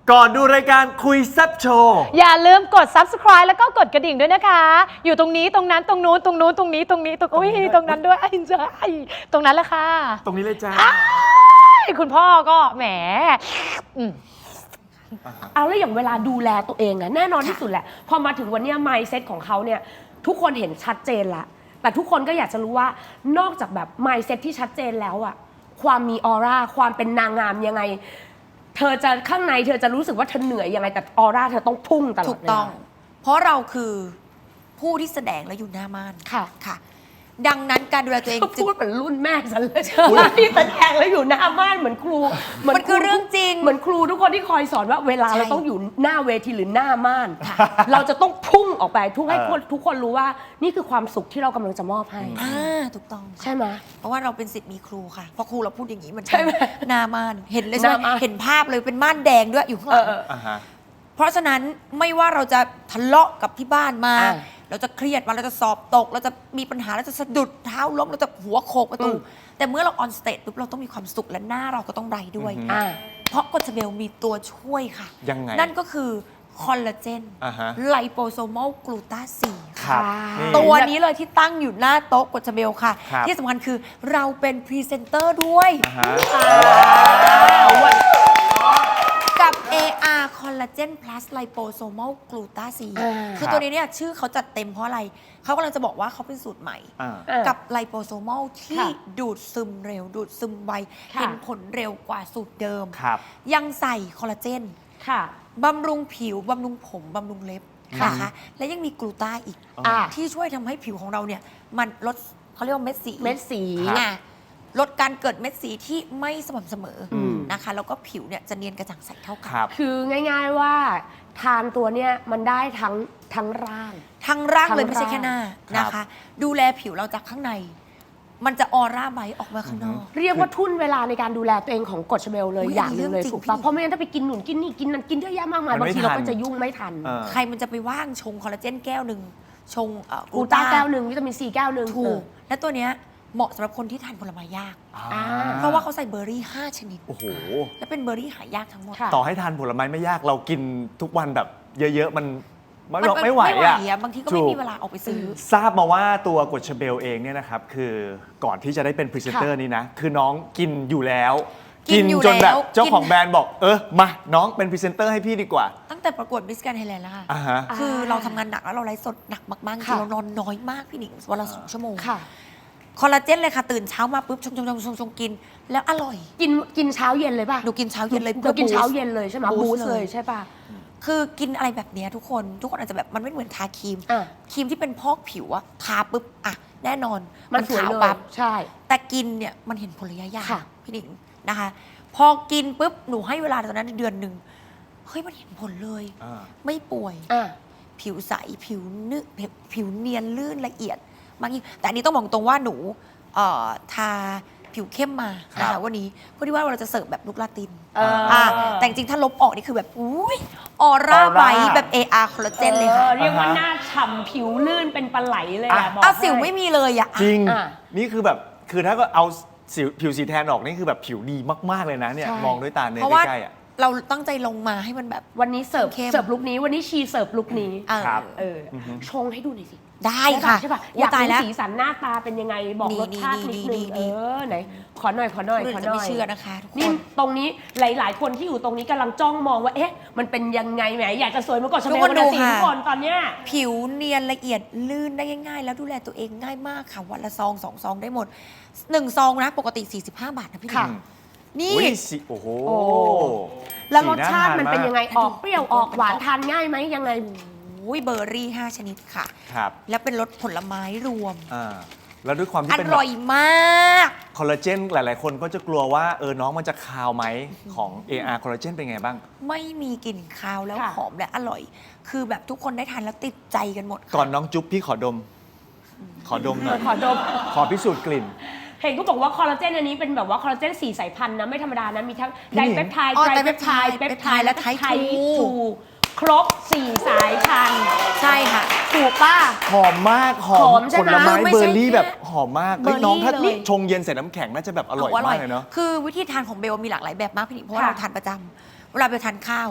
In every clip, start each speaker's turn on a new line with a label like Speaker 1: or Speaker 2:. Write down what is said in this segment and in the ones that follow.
Speaker 1: ก่อนดูรายการคุยแซ่บโชว์
Speaker 2: อย่าลืมกด subscribe แล้วก็กดกระดิ่งด้วยนะคะ อยู่ตรงนี้ตรงนั้นตรงนู้นตรงนู้นตรงนี้ตรงนี้ตรงอุ้ยตรงนั้นด้วยไอ้เจ้าตรงนั้นแหละค่ะ
Speaker 1: ตรงนี้เลยจ้า
Speaker 2: คุณพ่อก็แหม
Speaker 3: เอาแล้วอย่างเวลาดูแลตัวเองนะแน่นอนที่สุดแหละพอมาถึงวันเนี้ย mindset ของเขาเนี่ยทุกคนเห็นชัดเจนละแต่ทุกคนก็อยากจะรู้ว่านอกจากแบบ mindset ที่ชัดเจนแล้วอะความมีออร่าความเป็นนางงามยังไงเธอจะข้างในเธอจะรู้สึกว่าเธอเหนื่อยยังไงแต่ออร่าเธอต้องพุ่งตลอด
Speaker 4: ถูกต้อง เพราะเราคือผู้ที่แสดงและอยู่หน้าม่าน
Speaker 3: ค่ะ
Speaker 4: ค่ะ ดังนั้นการดูแลตัวเอง
Speaker 3: ก็
Speaker 4: จึง
Speaker 3: พูดเหมือนรุ่นแม่ฉันเลยที่แสดงแล้วอยู่หน้าบ้านเหมือนครู
Speaker 4: มันคือเรื่องจริง
Speaker 3: เหมือนครูทุกคนที่คอยสอนว่าเวลา
Speaker 4: ใช่
Speaker 3: เราต้องอยู่หน้าเวทีหรือหน้าม่าน เราจะต้องพุ่งออกไปทุกให้ทุกคนรู้ว่านี่คือความสุขที่เรากำลังจะมอบให้
Speaker 4: ถูกต้อง
Speaker 3: ใช่ไหม
Speaker 4: เพราะว่าเราเป็นศิษย์มีครูค่ะพอครูเราพูดอย่างนี้มัน
Speaker 3: ใช่ไหม
Speaker 4: หน้าม่านเห็นเลยใช่ไห
Speaker 3: หน้าม่าน
Speaker 4: มเห็นภาพเลยเป็นม่านแดงด้วยอยู่ข้างหลัง
Speaker 1: อ่าฮะ
Speaker 4: เพราะฉะนั้นไม่ว่าเราจะทะเลาะกับที่บ้านมา
Speaker 3: อ่า
Speaker 4: เราจะเครียดมาเราจะสอบตก เราจะมีปัญหาเราจะสะดุดเท้าล้มเราจะหัวโขกประตู แต่เมื่อเราออนสเตจปุ๊บเราต้องมีความสุขและหน้าเราก็ต้องไบรท์ด้วย
Speaker 3: อ่า
Speaker 4: เพราะกรดเบลมีตัวช่วยค่ะ
Speaker 1: ยังไง
Speaker 4: นั่นก็คือคอลลาเจน
Speaker 1: อ่าฮะ
Speaker 4: ไลโปโซมอลกลูตาซี
Speaker 1: ครับ
Speaker 3: ค่ะ
Speaker 1: นี่
Speaker 4: ตัวนี้เลยที่ตั้งอยู่หน้าโต๊ะกรดเบลค่ะ
Speaker 1: ครับ
Speaker 4: ที่สำคัญคือเราเป็นพรีเซนเตอร์ด้วย
Speaker 1: อ่าฮะ
Speaker 4: กับ AR Collagen Plus Liposomal Glutathione คือตัวนี้เนี่ยชื่อเขาจัดเต็มเพราะอะไร เขากำลังจะบอกว่าเขาเป็นสูตรใหม่
Speaker 1: อ่า
Speaker 4: กับ Liposomal ที่
Speaker 3: ค่ะ
Speaker 4: ดูดซึมเร็ว ดูดซึมไว
Speaker 3: ค่ะ
Speaker 4: เห็นผลเร็วกว่าสูตรเดิม
Speaker 1: ครับ
Speaker 4: ยังใส่คอลลาเจน
Speaker 3: ค่ะ
Speaker 4: บำรุงผิว บำรุงผม บำรุงเล็บนะคะ และยังมีกลูตาอีก
Speaker 3: อ่า
Speaker 4: ที่ช่วยทำให้ผิวของเราเนี่ย มันลดเขาเรียกว่าเม็ดสี
Speaker 3: เม็ดสี
Speaker 4: อ่ะลดการเกิดเม็ดสีที่ไม่สม่ำเสมออ
Speaker 1: ม
Speaker 4: นะคะแล้วก็ผิวเนี่ยจะเนียนกระจ่างใสเท่ากั
Speaker 1: ครับ
Speaker 3: คือง่าย ๆว่าทานตัวเนี้ยมันได้ทั้งร่าง
Speaker 4: ทั้งร่าง
Speaker 3: ทั้ง
Speaker 4: เลยไม่ใช่แค่หน้า
Speaker 1: ร่าง
Speaker 4: นะคะ ดูแลผิวเราจากข้างใน มันจะออร่าไบรท์ออกมาข้างนอก
Speaker 3: เรียกว่าทุ่นเวลาในการดูแลตัวเองของกฎชเบลเลย
Speaker 4: อุ๊ย
Speaker 3: อย่างหนึงเลย
Speaker 4: อันนี้เรื่องจริง
Speaker 3: ถูกปะ
Speaker 4: พี่
Speaker 3: เพราะไม่งั้นถ้าไปกินหนุนกินนี่กินนั่นกินเยอะแยะมากมาย
Speaker 1: มัน
Speaker 3: บาง
Speaker 1: ไม่
Speaker 3: ทีเรา
Speaker 1: ทั
Speaker 3: ก็
Speaker 1: น
Speaker 3: จะยุ่งไม่ทัน
Speaker 1: เออ
Speaker 4: ใครมันจะไปว่างชงคอลลาเจนแก้วหนึ่งชง
Speaker 3: กลูต้าแก้วหนึ่งวิตามินซีแก้วหนึ่ง
Speaker 4: ถูกและตัวเนี้ยเหมาะสำหรับคนที่ทานผลไม้ยาก
Speaker 1: อ่า
Speaker 4: เพราะว่าเขาใส่เบอร์รี่ 5 ชนิด
Speaker 1: โอ้โห
Speaker 4: และเป็นเบอร์รี่หายากทั้งหมด
Speaker 3: ค่ะ
Speaker 1: ต่อให้ทานผลไม้ไม่ยากเรากินทุกวันแบบเยอะๆ มัน
Speaker 4: มัน
Speaker 1: ไม่ไหวอ่ะ
Speaker 4: บางทีก็ไม่มีเวลาออกไปซื้อ
Speaker 1: ทราบมาว่าตัวกฎชเบลเองเนี่ยนะครับคือก่อนที่จะได้เป็นพรีเซนเตอร์นี้นะคือน้องกินอยู่แล้ว
Speaker 4: กินอยู่
Speaker 1: จนแบบ
Speaker 4: แล้ว
Speaker 1: เจ้าของ
Speaker 4: กิน
Speaker 1: แบรนด์บอกมาน้องเป็นพรีเซนเตอร์ให้พี่ดีกว่า
Speaker 4: ตั้งแต่ประกวดมิสแกรนด์ไทยแลนด์แล้วค่ะ
Speaker 1: อ่าฮะ
Speaker 4: คือเราทำงานหนักแล้วเราไลฟ์สดหนักมากๆจริ
Speaker 3: ค่ะ
Speaker 4: งๆเรานอนน้อยมากพี่หนิงวันละ2 ชั่วโมง
Speaker 3: ค่ะ
Speaker 4: คอลลาเจนเลยค่ะ ตื่นเช้ามาปุ๊บชงกิน แล้วอร่อย
Speaker 3: กินเช้าเย็นเลยป่ะ
Speaker 4: หนูกินเช้าเย็นเลย
Speaker 3: เรากินเช้า
Speaker 4: boost
Speaker 3: เย็นเลยใช่ไหม
Speaker 4: boost
Speaker 3: บูส
Speaker 4: เล
Speaker 3: เลย ยใช่ป่ะ
Speaker 4: คือกินอะไรแบบเนี้ยทุกคนอาจจะแบบมันไม่เหมือนทาครีม
Speaker 3: อ่ะ
Speaker 4: ครีมที่เป็นพอกผิวอะทาปุ๊บอะแน่นอน
Speaker 3: มันสวย
Speaker 4: ขาว
Speaker 3: เลย
Speaker 4: ปั๊บ
Speaker 3: ใช่
Speaker 4: แต่กินเนี่ยมันเห็นผลระยะยาว
Speaker 3: ค่ะ
Speaker 4: พี่หนิงนะคะ พอกินปุ๊บหนูให้เวลาตอนนั้นเดือนหนึ่งเฮ้ยมันเห็นผลเลย
Speaker 1: อ่า
Speaker 4: ไม่ป่วย
Speaker 3: อ่ะ
Speaker 4: ผิวใสผิวผิวเนียนลื่นละเอียดมากยิ่งแต่อันนี้ต้องบอกตรงว่าหนูทาผิวเข้มมานะ
Speaker 1: ครั
Speaker 4: คะ
Speaker 1: บ
Speaker 4: วันนี้เพื่อที่ว่าเราจะเสิร์ฟแบบลุกลาติน
Speaker 3: อ่า
Speaker 4: แต่จริงๆถ้าลบออกนี่คือแบบอุ้ยออร่าไบแบบ AR คอลลาเจนเลยค่ะ
Speaker 3: เรียกว่าหน้าฉ่ำผิวลื่นเป็นปลาไหลเลยอะบอก
Speaker 4: เอาสิว
Speaker 3: ให้
Speaker 4: ไม่มีเลยอะ
Speaker 1: จริง
Speaker 3: อ่ะ
Speaker 1: นี่คือแบบคือถ้าก็เอาผิวสีแทนออกนี่คือแบบผิวดีมากๆเลยนะเนี่ย
Speaker 3: ใช่
Speaker 1: มองด้วยตาเนื้อ
Speaker 4: เพราะว่า
Speaker 1: ใกล้ๆอ่ะ
Speaker 4: เราตั้งใจลงมาให้มันแบบ
Speaker 3: วันนี้เสิร์ฟ
Speaker 4: เข้ม
Speaker 3: ลุกนี้วันนี้ชีเสิร์ฟลุกนี้
Speaker 1: ครับ
Speaker 3: เออชงให้ดูหน่อยสิ
Speaker 4: ได้ค่ะ
Speaker 3: ใช่ป่ะ
Speaker 4: โอ้
Speaker 3: อยาก
Speaker 4: ตาย
Speaker 3: รู้
Speaker 4: แล้ว
Speaker 3: สีสันหน้าตาเป็นยังไงบอก
Speaker 4: นี่
Speaker 3: รสชาตินิดนึง
Speaker 4: นี่
Speaker 3: ไหนขอหน่อย
Speaker 4: คนอื่นจะไม่เชื่อนะคะทุกค
Speaker 3: นี่
Speaker 4: น
Speaker 3: ตรงนี้หลาย ๆ คนที่อยู่ตรงนี้กำลังจ้องมองว่าเอ๊ะมันเป็นยังไงแหมอยากจะสวยเหมื่อนก่อนชา
Speaker 4: ทุ
Speaker 3: แน
Speaker 4: ก
Speaker 3: ล
Speaker 4: คน
Speaker 3: นะ
Speaker 4: ดู
Speaker 3: สิ
Speaker 4: ค่ะ
Speaker 3: ทุกคนตอนเนี้ย
Speaker 4: ผิวเนียนละเอียดลื่นได้ง่ายๆ แล้วดูแลตัวเองง่ายมากค่ะวันละซอง2 ซองได้หมด1 ซองนะปกติ 45 บาทนะพี่หนิ
Speaker 3: ค่ะ
Speaker 4: งนี่
Speaker 1: อุ้ยสิโอ้โห
Speaker 3: โอ้ แล้วรส
Speaker 1: สี
Speaker 3: ชาติ
Speaker 1: ท
Speaker 3: มันเป็น
Speaker 1: ก
Speaker 3: ยังไงออกเปรี้ยวออกหวานทานง่ายไหมยังไง
Speaker 4: อุ้ยเบอร์รี่ 5 ชนิดค่ะ
Speaker 1: ครับ
Speaker 4: แล้วเป็นรสผลไม้รวม
Speaker 1: แล้วด้วยความ
Speaker 4: อ
Speaker 1: ที่เป็น
Speaker 4: ร่อยมาก
Speaker 1: คอลลาเจนหลาย ๆ คนก็จะกลัวว่าน้องมันจะคาวไหมของ AR คอลลาเจนเป็นไงบ้าง
Speaker 4: ไม่มีกลิ่นคาวแล้ว
Speaker 3: ค่ะ
Speaker 4: หอมและอร่อย คือแบบทุกคนได้ทานแล้วติดใจกันหมดค่ะ
Speaker 1: ก่อนน้องจุ๊บพี่ขอดม ขอดมหน่อย
Speaker 3: ขอดม
Speaker 1: ขอพิสูจน์กลิ่น
Speaker 3: เห็นก็บอกว่าคอลลาเจนอันนี้เป็นแบบว่าคอลลาเจน4 สายพันธุ์นะไม่ธรรมดานะมีทั้ง
Speaker 1: พี่
Speaker 3: ได
Speaker 1: หนิง
Speaker 3: เปปไทด์
Speaker 4: อ๋อ
Speaker 3: ไตรเปปไทด์
Speaker 4: ได
Speaker 3: เป
Speaker 4: เป
Speaker 3: ป
Speaker 4: ป
Speaker 3: ไท
Speaker 4: ไทด์
Speaker 3: ด์
Speaker 4: และ
Speaker 3: และ
Speaker 4: ไท
Speaker 3: ไท
Speaker 4: ป์
Speaker 3: ป์
Speaker 4: 2
Speaker 3: 2ครบ 4 สายพันธุ์
Speaker 4: ใช่ค่ะ
Speaker 3: ถูกป่ะ
Speaker 1: หอมมากหอ
Speaker 3: หอ
Speaker 1: ม
Speaker 3: มใช่
Speaker 1: ผ
Speaker 3: ไหม
Speaker 1: ลไม้
Speaker 4: ไม่
Speaker 1: เบอ
Speaker 4: ใช่
Speaker 1: ร์รี่
Speaker 4: แค่
Speaker 1: แบบหอมมาก
Speaker 4: เบอร์รี่
Speaker 1: น้องถ้า
Speaker 4: เลย
Speaker 1: ชงเย็นใส่น้ำแข็งน่าจะแบบอร่อยมากเลยเนาะ
Speaker 4: คือวิธีทานของเบลมีหลากหลายแบบมากพี่หนิงเพราะว่า
Speaker 3: ค่ะ
Speaker 4: เราทานประจำเวลาเบลทานข้าว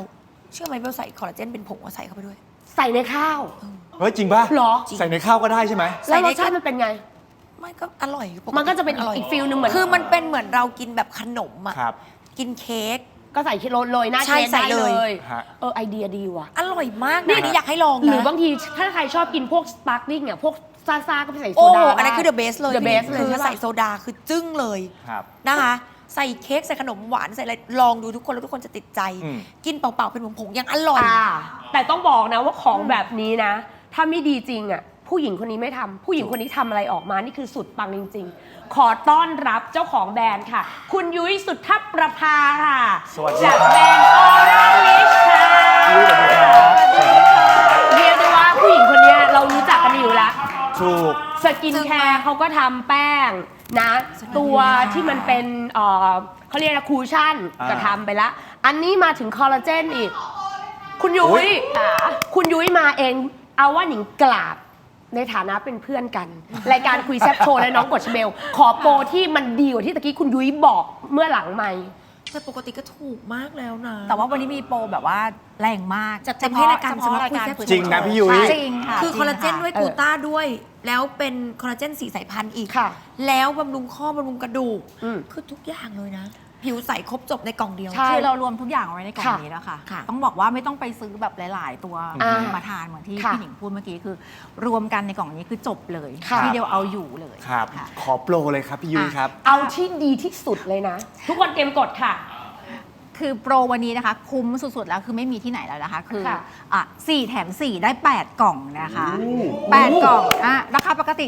Speaker 4: เชื่อไหมเบลใส่คอลลาเจนเป็นผงมาใส่เข้าไปด้วย
Speaker 3: ใส่ในข้าว
Speaker 1: เฮ้ยจริงป่ะ
Speaker 3: เหรอ
Speaker 1: ใส่ในข้าวก็ได้ใช่ไหม
Speaker 3: แล้วรสชาติมันเป็นไง
Speaker 4: ไม่ก็อร่อยปติ
Speaker 3: มันก็จะเป็น
Speaker 4: ร่ย
Speaker 3: อีกฟิลหนึ่งเหมือน
Speaker 4: คือมันเป็นเหมือนเรากินแบบขนมอ่ะ
Speaker 1: ครับ
Speaker 4: กินเค้ก
Speaker 3: ก็ใส่โรยหน้า
Speaker 4: ใช่
Speaker 3: เค้ก
Speaker 4: ใส่
Speaker 3: ได้
Speaker 4: เล
Speaker 3: เลย ย
Speaker 1: ฮะ
Speaker 3: ไอเดียดีว่ะ
Speaker 4: อร่อยมากนะอันนี้อยากให้ลองนะ
Speaker 3: หรือบางทีถ้าใครชอบกินพวกสปาร์คลิ่งอ่ะพวกซ่าๆก็ไปใส่โซ
Speaker 4: โอ้
Speaker 3: ดา
Speaker 4: อันนั้นคือ
Speaker 3: ได้
Speaker 4: the best เลย
Speaker 3: the best เลย
Speaker 4: คือ
Speaker 3: ใช่ปะ
Speaker 4: ใส่โซดาคือจึ้งเลย
Speaker 1: ครับ
Speaker 4: นะคะ ใส่เค้กใส่ขนมหวานใส่อะไรลองดูทุกคนแล้วทุกคนจะติดใจ
Speaker 1: อืม
Speaker 4: กินเปล่าๆเป็นผงๆยังอร่อย
Speaker 3: แต่ต้องบอกนะว่าของแบบนี้นะ ถ้าไม่ดีจริงอ่ะผู้หญิงคนนี้ไม่ทำผู้หญิงคนนี้ทำอะไรออกมานี่คือสุดปังจริง ๆ ขอต้อนรับเจ้าของแบรนด์ค่ะ คุณยุ้ยสุทธประภาค่ะ
Speaker 1: สวัสดี
Speaker 3: จาก
Speaker 1: ครับ
Speaker 3: แบรนด์ออร่าลิชค่ะ
Speaker 1: ยุ้ยสวัสดีครับ
Speaker 3: เรียกได้ว่าผู้หญิงคนนี้เรารู้จักกันอยู่แล้ว
Speaker 1: ถูก
Speaker 3: สกินแคร์เขาก็ทำแป้งนะ ตัวที่มันเป็นเขาเรียกอะไรคูชั่น
Speaker 1: อ่า
Speaker 3: ก็ทำไปละอันนี้มาถึงคอลลาเจนอีก คุณยุ้
Speaker 1: อุ๊
Speaker 3: ย
Speaker 1: ย
Speaker 3: คุณยุ้ยมาเอง เอาว่าหนิงกราบในฐานะเป็นเพื่อนกัน รายการคุยแซ่บโชว์และน้องกดชเบล ขอโปรที่มันดีกว่าที่ตะกี้คุณยุ้ยบอกเมื่อหลังไม่
Speaker 4: แต่ปกติก็ถูกมากแล้วนะ
Speaker 5: แต่ว่าวันนี้มีโปรแบบว่าแรงมาก
Speaker 4: จัดเต็มให้รายการ
Speaker 5: เฉพาะ
Speaker 4: สำหรับ
Speaker 5: รายการ
Speaker 4: คุยแซ่บ
Speaker 1: จริงนะพี่ยุ้ย
Speaker 5: จริงค่ะ
Speaker 4: คือ
Speaker 5: จริง
Speaker 4: คอลลาเจน
Speaker 5: ค่ะ
Speaker 4: ด้วยกลูต้าด้วย แล้วเป็นคอลลาเจน4 สายพันธุ์อีก
Speaker 3: ค่ะ
Speaker 4: แล้วบำรุงข้อบำรุงกระดูก
Speaker 3: อืม
Speaker 4: คือทุกอย่างเลยนะ ผิวใสครบจบในกล่องเดียว
Speaker 3: ใช่
Speaker 5: คือเรารวมทุกอย่างเอาไว้ในกล่อง
Speaker 3: ค่ะ
Speaker 5: นี้แล้วค่ะ
Speaker 4: ค่ะ
Speaker 5: ต้องบอกว่าไม่ต้องไปซื้อแบบหลาย ๆ ตัว มาทานเหมือนที่
Speaker 3: ค่ะ
Speaker 5: พี่หนิงพูดเมื่อกี้คือ รวมกันในกล่องนี้คือจบเลย
Speaker 3: ค่ะ
Speaker 5: ทีเดียวเอาอยู่เลย
Speaker 1: ครับ
Speaker 5: ค่ะ
Speaker 1: ขอโปรเลยครับพี่ยุ้ยครับ
Speaker 3: เอาที่ดีที่สุดเลยนะ ทุกคนเตรียมกดค่ะ
Speaker 5: คือโปรวันนี้นะคะ คุ้มสุด ๆ แล้วคือไม่มีที่ไหนแล้วนะคะ คือ
Speaker 3: ค่ะ
Speaker 5: 4 แถม 4 ได้ 8 กล่องนะคะ 8 กล่องราคาปกติ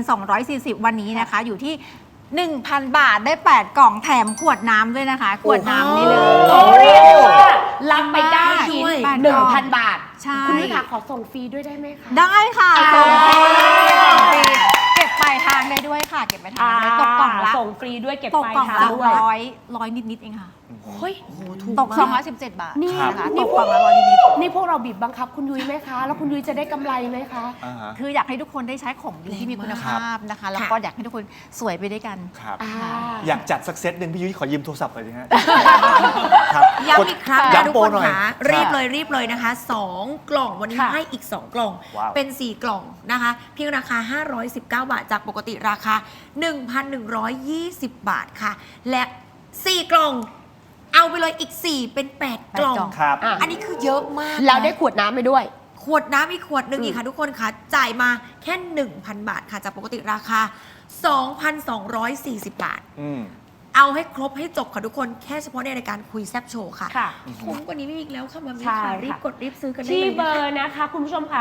Speaker 5: 2,240 วันนี้นะคะ อยู่ที่ 1,000 บาทได้ 8 กล่องแถมขวดน้ำด้วยนะคะ ขวดน้ำนี่เลย
Speaker 3: โอ้เรียกได้ว่ารับไป9ชิ้น
Speaker 5: แปดกล่อง
Speaker 3: 1,000 บาท
Speaker 5: ใช่
Speaker 3: คุณยุ้ยค่ะขอส่งฟรีด้วยได้ไหมคะ
Speaker 5: ได้ค่ะ
Speaker 3: อ่า
Speaker 5: ส่งฟรีส่งฟรีเก็บปลายทางได้ด้วยค่ะ เก็บปลายทางได้ตกกล่องละ
Speaker 3: ส่งฟรีด้วยเก็บ
Speaker 5: ตก
Speaker 3: ปลาย
Speaker 5: กล่อง
Speaker 3: ทาง
Speaker 5: ละ
Speaker 3: ด้วย
Speaker 5: ร้อยนิด ๆ เองค่ะ
Speaker 3: เฮ้ย
Speaker 5: ตก
Speaker 4: มาก
Speaker 5: 217 บาท
Speaker 3: นี่
Speaker 5: นะคะ
Speaker 3: นี่
Speaker 5: ตก
Speaker 3: พว
Speaker 5: กล่
Speaker 3: ก
Speaker 5: องละร้อยนิด
Speaker 3: นี่พวกเราบีบบังคับคุณยุ้ยไหมคะ แล้วคุณยุ้ยจะได้กำไรไหมคะ
Speaker 1: อ่าฮะ
Speaker 5: ๆคืออยากให้ทุกคนได้ใช้ของดีที่มีคุณภาพนะคะ แล้วก็อยากให้ทุกคนสวยไปด้วยกัน
Speaker 1: ครับ
Speaker 3: อ่า
Speaker 1: อยากจัดสักเซตหนึ่งพี่ยุ้ยขอยืมโทรศัพท์หน่อยสิฮะ ครับ
Speaker 4: ย้ำอีกครั้งนะ
Speaker 1: ย้ำ
Speaker 4: ทุก
Speaker 1: โปร
Speaker 4: คน
Speaker 1: หน่อย
Speaker 4: ค่ะรีบเลยนะคะ 2 กล่องวันนี้
Speaker 3: ค่ะ
Speaker 4: ให้อีก 2 กล่อง
Speaker 1: ว้าว
Speaker 4: เป็น 4 กล่องนะคะ เพียงราคา 519 บาท จากปกติราคา 1,120 บาทค่ะ และ 4 กล่อง เอาไปเลยอีก 4 เป็น 8 กล่อง
Speaker 5: กล่อง
Speaker 1: ครับ
Speaker 3: อ่ะ
Speaker 4: อันนี้คือเยอะมากนะ
Speaker 3: แล้วได้ขวดน้ำไปด้วย
Speaker 4: ขวดน้ำอีกขวดหนึ่งอีกค่ะทุกคนค่ะ จ่ายมาแค่ 1,000 บาทค่ะ จากปกติราคา 2,240 บาท
Speaker 1: อืม
Speaker 4: เอาให้ครบให้จบค่ะทุกคนแค่เฉพาะในรายการคุยแซบโชว์ค่ะ
Speaker 3: ค่ะ
Speaker 4: คุ้มกว่านี้ไม่มีอีกแล้วค่ะมามี
Speaker 3: ใช่
Speaker 4: ค่ะ
Speaker 3: ค่ะ
Speaker 4: รีบกดรีบซื้อกันได้
Speaker 3: ที่
Speaker 4: เลย
Speaker 3: เบอ
Speaker 4: นะคะ
Speaker 3: ร์นะคะคุณผู้ชมค่ะ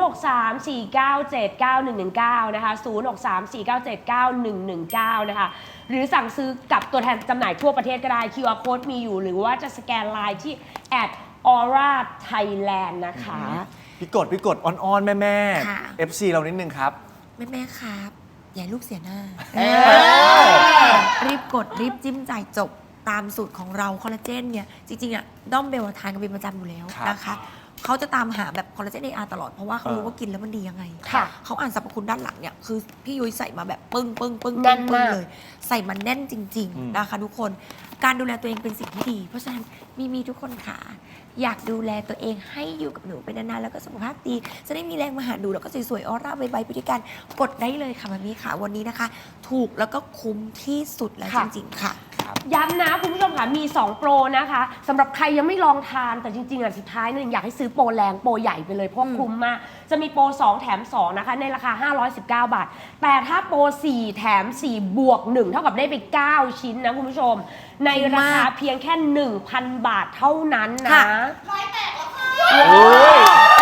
Speaker 3: 0634979119 นะคะ 0634979119 นะคะ หรือสั่งซื้อกับตัวแทนจำหน่ายทั่วประเทศก็ได้ QR code มีอยู่ หรือว่าจะสแกนไลน์ที่ @aura Thailand นะคะ
Speaker 1: พี่กดอ้อนๆ แม่
Speaker 4: ค่ะ
Speaker 1: FC เรานิดนึงครับ
Speaker 4: แม่ครับ อย่าให้ลูกเสียหน้า
Speaker 1: อ
Speaker 4: รีบกดรีบจิ้มจ่ายจบตามสูตรของเราคอลลาเจนเนี่ย จริงๆอ่ะด้อมเบลทานกันเป็นประจำอยู่แล้ว
Speaker 1: ครับ
Speaker 4: นะคะเขาจะตามหาแบบคอลลาเจน AR ตลอดเพราะว่าเขารู้ว่ากินแล้วมันดียังไง
Speaker 3: ค่ะ
Speaker 4: เขาอ่านสรรพคุณด้านหลังเนี่ยคือพี่ยุ้ยใส่มาแบบปึ้ง
Speaker 3: แน่น
Speaker 4: ปึ้งปึ้ง
Speaker 3: มาก
Speaker 4: เลย ใส่มันแน่นจริง
Speaker 1: อืม
Speaker 4: ๆนะคะทุกคนการดูแลตัวเองเป็นสิ่งที่ดี เพราะฉะนั้นมีทุกคนค่ะอยากดูแลตัวเองให้อยู่กับหนูเป็นนานๆแล้วก็สุขภาพดีจะได้มีแรงมาหาดูแล้วก็สวยๆออร่าใบไปด้วยกันกดได้เลยค่ะมามีค่ะวันนี้นะคะ ถูกแล้วก็คุ้มที่สุดแล้วจ
Speaker 3: ค่ะ
Speaker 4: ริงๆค่ะ
Speaker 3: ย้ำนะคุณผู้ชมค่ะมี 2 โปรนะคะสำหรับใครยังไม่ลองทานแต่จริงๆอ่ะสุดท้ายเนี่ยอยากให้ซื้อโปรแรงโปรใหญ่ไปเลยเพราะคุ้มมาก จะมีโปร 2 แถม 2 นะคะ ในราคา 519 บาท แต่ถ้าโปร 4 แถม 4 บวก 1 เท่ากับได้ไป 9 ชิ้นนะคุณผู้ชม ในราคาเพียงแค่ 1,000 บาทเท่านั้นนะ
Speaker 4: ค่ะ
Speaker 1: โอ้ย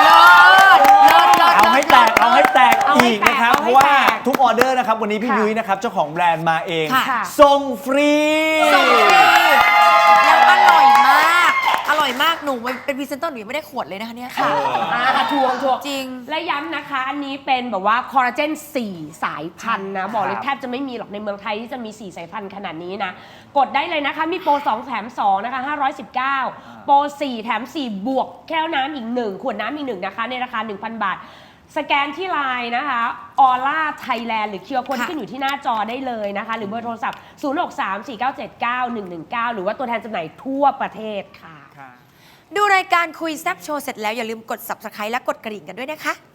Speaker 1: เอาให้แตก
Speaker 3: เอาให้
Speaker 1: อีกนะครับ
Speaker 3: แตก
Speaker 1: เพราะว่า
Speaker 3: เอาให้แตก
Speaker 1: ทุกออเดอร์นะครับ วันนี้พี่
Speaker 3: ค่ะ
Speaker 1: ยุ้ยนะครับ เจ้าของแบรนด์มาเอง
Speaker 4: ค่ะ
Speaker 1: ส่งฟรี
Speaker 4: ส่งฟรีแล้วอร่อยมาก อร่อยมากหนูเป็นพรีเซนเตอร์หนูยังไม่ได้ขวดเลยนะคะเนี่ย
Speaker 3: ค่ะทวง
Speaker 4: จริง
Speaker 3: และย้ำนะคะ อันนี้เป็นแบบว่าคอลลาเจน 4 สายพันธุ์นะ บอกเลยแทบจะไม่มีหรอกในเมืองไทยที่จะมี 4 สายพันธุ์ขนาดนี้นะ กดได้เลยนะคะ มีโปร 2 แถม 2 นะคะ 519 โปร 4 แถม 4 บวกแก้วน้ำอีก 1 ขวดน้ำอีก 1 นะคะ ในราคา 1,000 บาท สแกนที่ไลน์นะคะออร่าไทยแลนด์หรือคิวอาร์โค้ด
Speaker 4: ค่ะ
Speaker 3: ที่ขึ้นอยู่ที่หน้าจอได้เลยนะคะ หรือเบอร์โทรศัพท์ 0634979119 หรือว่าตัวแทนจำหน่ายทั่วประเทศค่ะ
Speaker 4: ดูรายการคุยแซบโชว์เสร็จแล้วอย่าลืมกด subscribe และกดกระดิ่งกันด้วยนะคะ